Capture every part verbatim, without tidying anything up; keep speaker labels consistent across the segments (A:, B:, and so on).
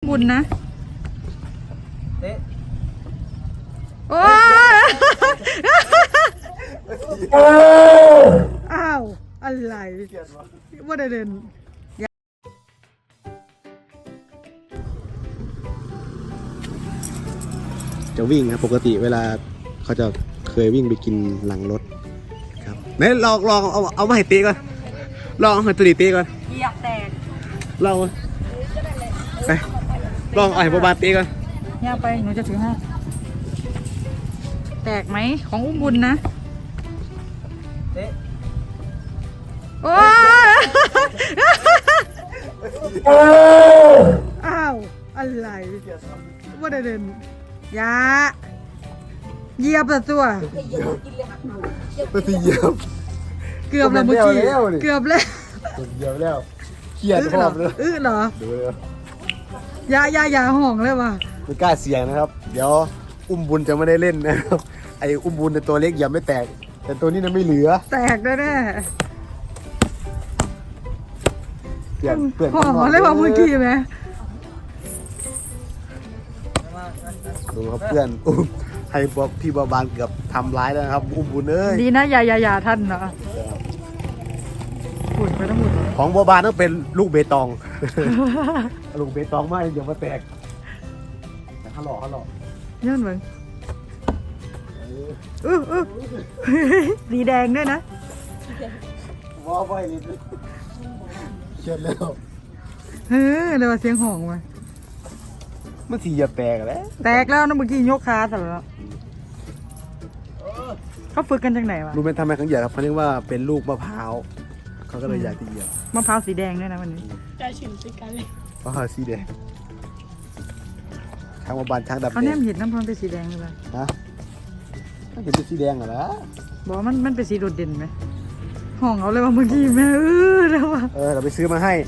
A: บุญนะโอ้อ้าวอะไรว่าได้เด่น
B: จะวิ่งครับปกติเวลาเขาจะเคยวิ่งไปกินหลังรถครับไหนลองลองเอาเอามาให้ตีก่อนลองเอาให้ตัวดีตีก่อน
A: เหยียบแตก
B: ลองไปลองเอาให้บาบาตีก่อน
A: ย่าไปหนูจะถือให้แตกไหมของอุ้มบุญนะโอ้อ้าวอะไรว่าได้เด่นยาเหยียบแต่ตัว
B: ไม่ตีเหยียบ
A: เกือบแล้วเมื่อกี้เกือบแล้ว
B: เหยียบแล้วเครียดพร้อมเลย
A: อื้อเหรอ
B: ดูเลย
A: ยายายาห่องเลยว่ะ
B: ไม่กล้าเสี่ยงนะครับเดี๋ยวอุ้มบุญจะไม่ได้เล่นนะครับไอ้อุ้มบุญในตัวเล็กเหยียบไม่แตกแต่ตัวนี้นั้นไม่เหลือ
A: แตกแน่แน่
B: เปลี่ยนเปลี่ยน
A: ห่องเลยว่ะเมื่อกี้ไหม
B: ดูครับเพื่อนอุ้มให้พี่บาบานเกือบทำร้ายแล้วนะครับอุ้มบุญเอ้ย
A: ดีนะยายายาท่านเนาะหุ่นไปทั้งหมด
B: ของบาบานต้องเป็นลูกเบตอง ลูกเบตองไม่เดี๋ยวมาแตกแต่เขาหล่อเขาหล่อ
A: ยื่นมึงอื้ออื้อสีแดงด้วยนะ
B: ว้าวไปเลยเชื่อแล้ว
A: เฮ้ยเดี๋ยวเสียงห่องมา
B: มันสีอย่าแตกแล้ว
A: แตกแล้วนะเมื่อกี้ยกขาแต่แล้วเขาฝึกกันจากไหนวะ
B: รู้ไหมทำไมเขาเหยียบครับเขาเรียกว่าเป็นลูกมะพร้าวเขาก็เลยอยากจะเหยียบ
A: มะพร้าวสีแดงด้วยนะวันนี้
C: จะชิมสิกันเลย
B: เพราะเขาสีแดงช้างบาบานช้างดำ
A: เขา
B: แด
A: แน
B: ง
A: มเห็นน้ำพร้อมเป็นสีแดงเลย
B: ฮะถ้าเห็นเป็นสีแดงเหรอละ
A: บอกว่ามันมันเป็นสีโดดเด่นไหมห่องเอาเลยว่าเมื่อกี้แม่เออแล้วว่ะ
B: เออเราไปซื้อมาให้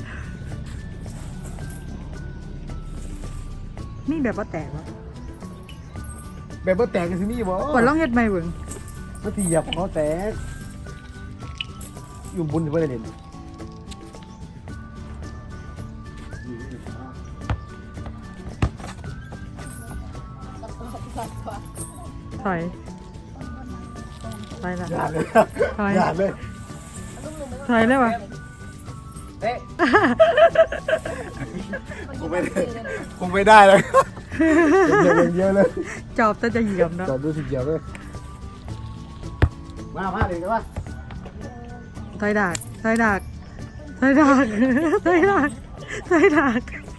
A: นี่แบบว่าแตกวะ
B: แบบว่าแตกกันสินี่บ่
A: กดล่องเฮ็ดไม่เบิ่ง
B: มันสีเหยียบของเขาแตกอยู่บุญจะไม่ได้เล่น
A: ถอยถอยละ
B: อย่าเลย
A: ถอย
B: อย่าเลย
A: ถอยเลยวะ
B: เอ๊ะคงไม่ได้คงไม่ได้เลยเยอะเยอะเลย
A: จอบแต่จะเหยียบเนาะ
B: จอดดูสิเยอะเลยมามาเลยกันวะ
A: ถอยดากถอยดากถอยดากถอยดากถอยดาก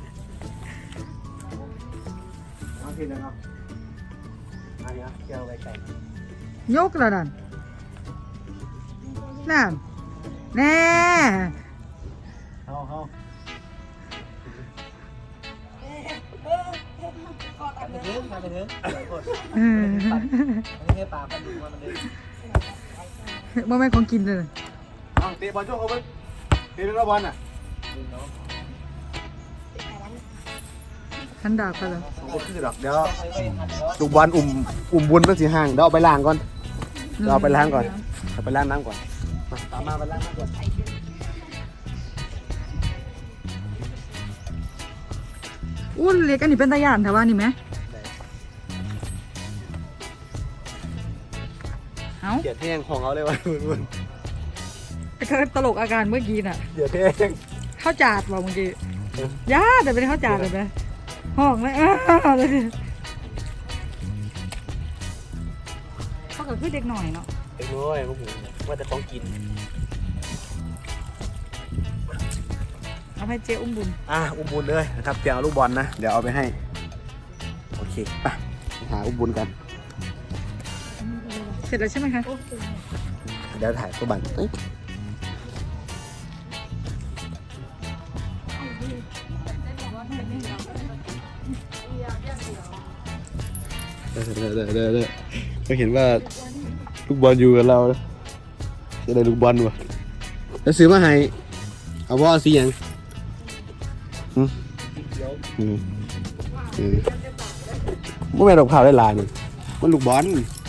B: มาทีนึงครับอันนี้เกี่ยวไก่ไก่
A: ยกแล้วนั่นนั่นแน่
B: เอาเอาไปเถอะไปเถอะ
A: เออ
B: อันนี้แค่ปลาพันธุ์มันเลย
A: บ่แม่นของกินเลย
B: เอาเตะบอลช่วงเขาไปเตะเรื่องบอลน่ะ
A: ขันดาบกันเหรอ
B: ก็คือดอกเดี๋ยวลูกบอลอุ่มอุ่มบุญมันสีห่างเดี๋ยวเอาไปล้างก่อนเดี๋ยวเอาไปล้างก่อนเอาไปล้างน้ำก่อนมาตามมาไปล้างน้ำก่อน
A: อุ้นเล็กอันนี้เป็นตะยานแต่ว่านี่ไหมเอ้า
B: เกียดแห้งของเอาเลยวะบุญ
A: ก็ตลกอาการเมื่อกี้น่ะ
B: เกียดแห้ง
A: ข้าวจาดบอกเมื่อกี้ย่าแต่เป็นข้าวจาดเลยไหมห้องเลยอ้าวเลยเขาก็คือเด็กหน่อยเนาะ
B: เอ้ยน้อยพวกผมว่าจะต้องกิน
A: เอาให้เจ๊อุ้มบุญ
B: อ่ะอุ้มบุญเลยนะครับเดี๋ยวเอาลูกบอลนะเดี๋ยวเอาไปให้โอเคไปหาอุ้มบุญกัน
A: เสร็จแล้วใช่ไหมคะ
B: เดี๋ยวถ่ายตัวบันเอ้ยเดี๋ยวเดี๋ยวเดี๋ยวเดี๋ยวเดี๋ยวก็เห็นว่าลูกบอลอยู่กับเราจะได้ลูกบอลวะแล้วซื้อมาให้เอาว่าสีอย่างอืมอืมอืมไม่แม่ดอกข่าวได้ลายมันมันลูกบอล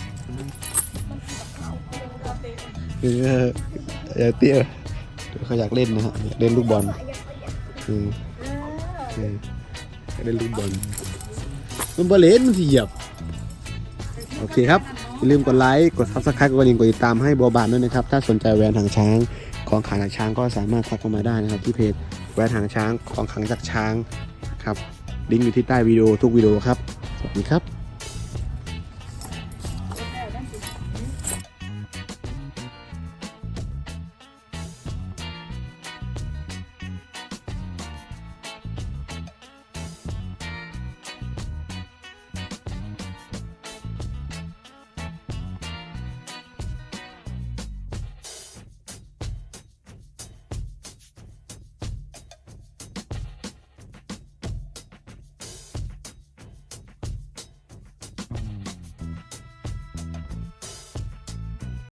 B: เอออย่าเตี้ยเขาอยากเล่นนะฮะอยากเล่นลูกบอลอืมอืมได้ลูกบอลมันบอลเลนมันสิเหยียบโอเคครับอย่าลืมกดไลค์กดซับสไครต์กดกระดิ่งกดติดตามให้บัวบานด้วยนะครับถ้าสนใจแหวนหางช้างของขลังจากช้างก็สามารถทักเข้ามาได้นะครับที่เพจแหวนหางช้างของขลังจากช้างครับลิงก์อยู่ที่ใต้วิดีโอทุกวิดีโอครับสวัสดีครับ